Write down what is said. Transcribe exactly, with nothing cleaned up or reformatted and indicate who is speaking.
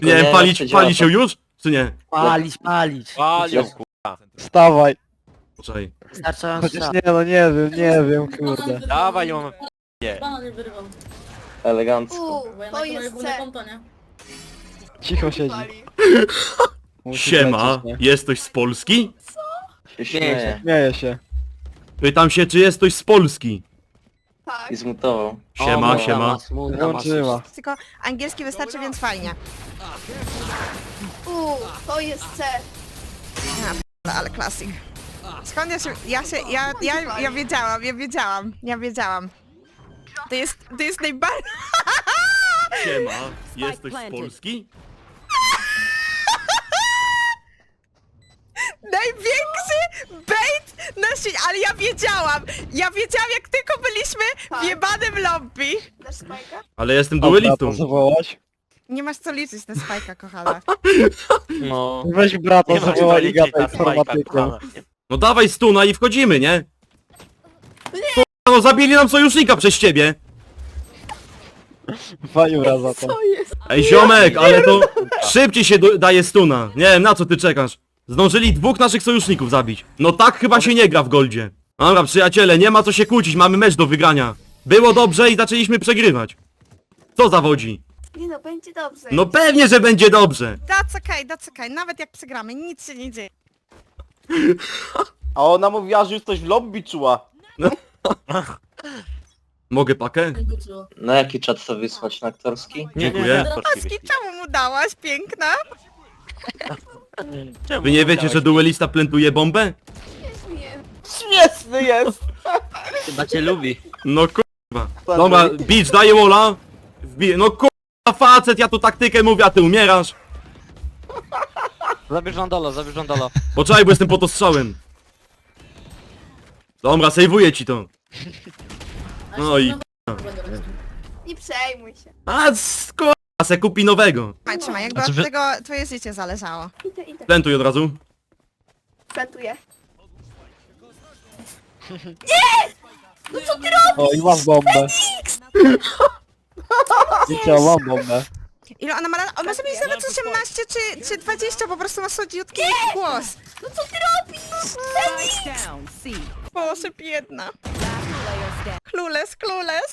Speaker 1: Nie
Speaker 2: nie,
Speaker 1: wiem, palić,
Speaker 2: jeszcze działa
Speaker 1: palić się już? Czy nie?
Speaker 3: Palić, palić.
Speaker 4: Palią, kurwa.
Speaker 5: Wstawaj.
Speaker 1: Poczekaj.
Speaker 3: Wystarczająco
Speaker 5: Chociaż
Speaker 3: czas.
Speaker 5: nie, no nie wiem, nie wiem, kurde.
Speaker 4: Dawaj ją.
Speaker 6: Bana nie wyrwał.
Speaker 2: elegancko.
Speaker 6: Bo ja
Speaker 7: To
Speaker 6: na
Speaker 7: jest
Speaker 6: moje
Speaker 7: C.
Speaker 6: konto, nie?
Speaker 5: Cicho siedzi. Musi
Speaker 1: Siema,
Speaker 5: lecieć, nie?
Speaker 1: jest ktoś z Polski?
Speaker 2: Się
Speaker 3: Śmieję
Speaker 2: śmieje.
Speaker 5: Śmieje się.
Speaker 1: Pytam się, czy jest ktoś z Polski?
Speaker 7: Tak.
Speaker 2: I zmutował.
Speaker 1: Siema,
Speaker 3: O,
Speaker 1: siema.
Speaker 3: ma smutna, ma
Speaker 5: Włączyła.
Speaker 8: Tylko angielski wystarczy, więc fajnie.
Speaker 7: Uuu, to jest C.
Speaker 8: Ale, ale klasyk. Skąd ja się... Ja się... Ja, ja, ja wiedziałam, ja wiedziałam, ja wiedziałam. To jest... To jest najbardziej...
Speaker 1: Siema, jest ktoś z Polski?
Speaker 8: Największy bait na świecie, ale ja wiedziałam! Ja wiedziałam, jak tylko byliśmy w jebanym lobby.
Speaker 7: Dasz spajka?
Speaker 1: Ale jestem
Speaker 5: Dobra,
Speaker 1: duelistą.
Speaker 5: to zawołać.
Speaker 8: Nie masz co liczyć na spajka, kochana.
Speaker 4: No.
Speaker 5: Weź brata,
Speaker 4: Nie ma
Speaker 5: zawołaj i
Speaker 4: co liczyć
Speaker 5: gadaj
Speaker 4: na
Speaker 5: z
Speaker 4: spajka,
Speaker 5: informatykiem.
Speaker 4: kochana.
Speaker 1: No dawaj stuna i wchodzimy, nie? Nie. No zabili nam sojusznika przez ciebie.
Speaker 5: Fajura za to.
Speaker 7: To jest.
Speaker 1: Ej ziomek, ale to szybciej się do- daje stuna. Nie wiem, na co ty czekasz? Zdążyli dwóch naszych sojuszników zabić. No tak chyba się nie gra w goldzie. Dobra przyjaciele, nie ma co się kłócić, mamy mecz do wygrania. Było dobrze i zaczęliśmy przegrywać. Co zawodzi?
Speaker 7: Nie no, będzie dobrze.
Speaker 1: No pewnie, że będzie dobrze.
Speaker 8: That's okay, that's okay. Nawet jak przegramy, nic się nie dzieje.
Speaker 9: A ona mówiła, że już coś w lobby czuła.
Speaker 1: Mogę pakę?
Speaker 6: Nie wróciło.
Speaker 2: Na jaki czat to wysłać? Na aktorski?
Speaker 4: Nie, nie,
Speaker 1: Dziękuję.
Speaker 4: nie.
Speaker 8: Paski, czemu mu dałaś, piękna?
Speaker 4: Czemu
Speaker 1: Wy nie wiecie,
Speaker 4: chciałeś?
Speaker 1: że duelista plantuje bombę?
Speaker 7: Nie.
Speaker 9: Śmieszny jest!
Speaker 3: Chyba cię lubi.
Speaker 1: No kurwa. Dobra, Beach daje wola. Wbije. No kurwa facet, ja tu taktykę mówię, a ty umierasz.
Speaker 4: Zabierz Randala, zabierz Randala.
Speaker 1: Poczekaj, bo jestem pod ostrzałem. Dobra, sejwuję ci to.
Speaker 6: A
Speaker 1: No
Speaker 6: się
Speaker 1: i-
Speaker 6: na będę robił.
Speaker 7: Nie przejmuj się.
Speaker 1: A skoro se kupi nowego.
Speaker 8: Trzymaj, trzymaj, jakby
Speaker 4: A co
Speaker 8: od
Speaker 4: wy-
Speaker 8: tego twoje życie zależało.
Speaker 7: Idę, idę.
Speaker 1: Plantuj od razu.
Speaker 7: Plantuję.
Speaker 5: O, i mam bombę. Wiecie, mam bombę.
Speaker 8: Ile ona ma lat? On może mieć nawet osiemnaście czy, czy dwadzieścia, po prostu ma słodziutki głos.
Speaker 7: No co ty robisz?
Speaker 8: Boże, biedna. Klules, klules.